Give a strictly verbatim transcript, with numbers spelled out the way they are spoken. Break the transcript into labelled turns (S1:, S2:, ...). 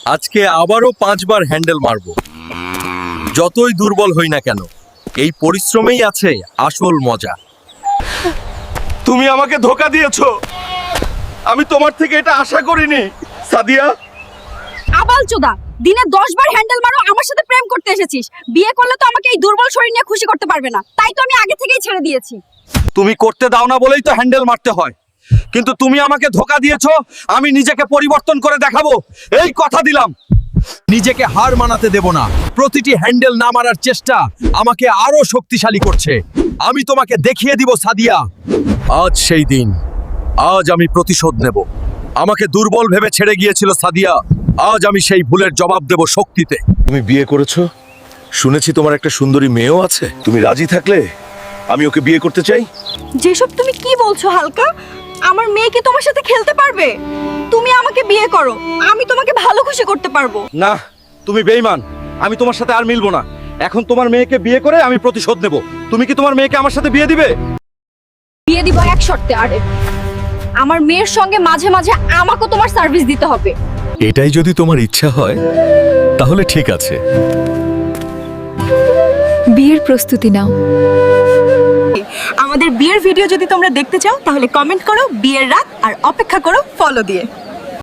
S1: আজকে আবারও পাঁচবার হ্যান্ডেল মারবো। যতই দুর্বল হই না কেন, এই পরিশ্রমেই আছে আসল মজা।
S2: তুমি আমাকে ধোকা দিয়েছো, আমি তোমার থেকে এটা আশা করিনি সাদিয়া।
S3: আবাল চোদা, দিনে দশ বার হ্যান্ডেল মারো, আমার সাথে প্রেম করতে এসেছিস। বিয়ে করলে তো আমাকে এই দুর্বল শরীর নিয়ে খুশি করতে পারবে না, তাই তো আমি আগে থেকেই ছেড়ে দিয়েছি।
S2: তুমি করতে দাও না বলেই তো হ্যান্ডেল মারতে হয়, কিন্তু তুমি আমাকে ধোকা দিয়েছো। আমি নিজেকে পরিবর্তন করে দেখাবো, এই কথা দিলাম।
S1: নিজেকে হার মানাতে দেব না। প্রতিটি হ্যান্ডেল না মারার চেষ্টা আমাকে আরো শক্তিশালী করছে। আমি তোমাকে দেখিয়ে দিব সাদিয়া। আজ সেই দিন, আজ আমি প্রতিশোধ নেব। আমাকে দুর্বল ভেবে ছেড়ে গিয়েছিল সাদিয়া, আজ আমি সেই ভুলের জবাব দেব শক্তিতে।
S2: তুমি বিয়ে করেছো, শুনেছি তোমার একটা সুন্দরী মেয়েও আছে। তুমি রাজি থাকলে আমি ওকে বিয়ে করতে চাই।
S3: যেসব তুমি কি বলছো হালকা? আমার মেয়ে কি তোমার সাথে খেলতে পারবে? তুমি আমাকে বিয়ে করো, আমি তোমাকে ভালো খুশি করতে পারবো।
S2: না, তুমি বেঈমান। আমি তোমার সাথে আর মিলবো না। এখন তোমার মেয়েকে বিয়ে করে আমি প্রতিশোধ নেব। তুমি কি তোমার মেয়েকে আমার সাথে বিয়ে দিবে?
S3: বিয়ে দিব এক শর্তে। আরে আমার মেয়ের সঙ্গে মাঝে মাঝে আমাকেও তোমার সার্ভিস দিতে হবে।
S1: এটাই যদি তোমার ইচ্ছা হয় তাহলে ঠিক আছে।
S4: বিয়ের প্রস্তুতি নাও।
S3: আমাদের বিয়ের ভিডিও যদি তোমরা দেখতে চাও তাহলে কমেন্ট করো বিয়ের রাত, আর অপেক্ষা করো ফলো দিয়ে।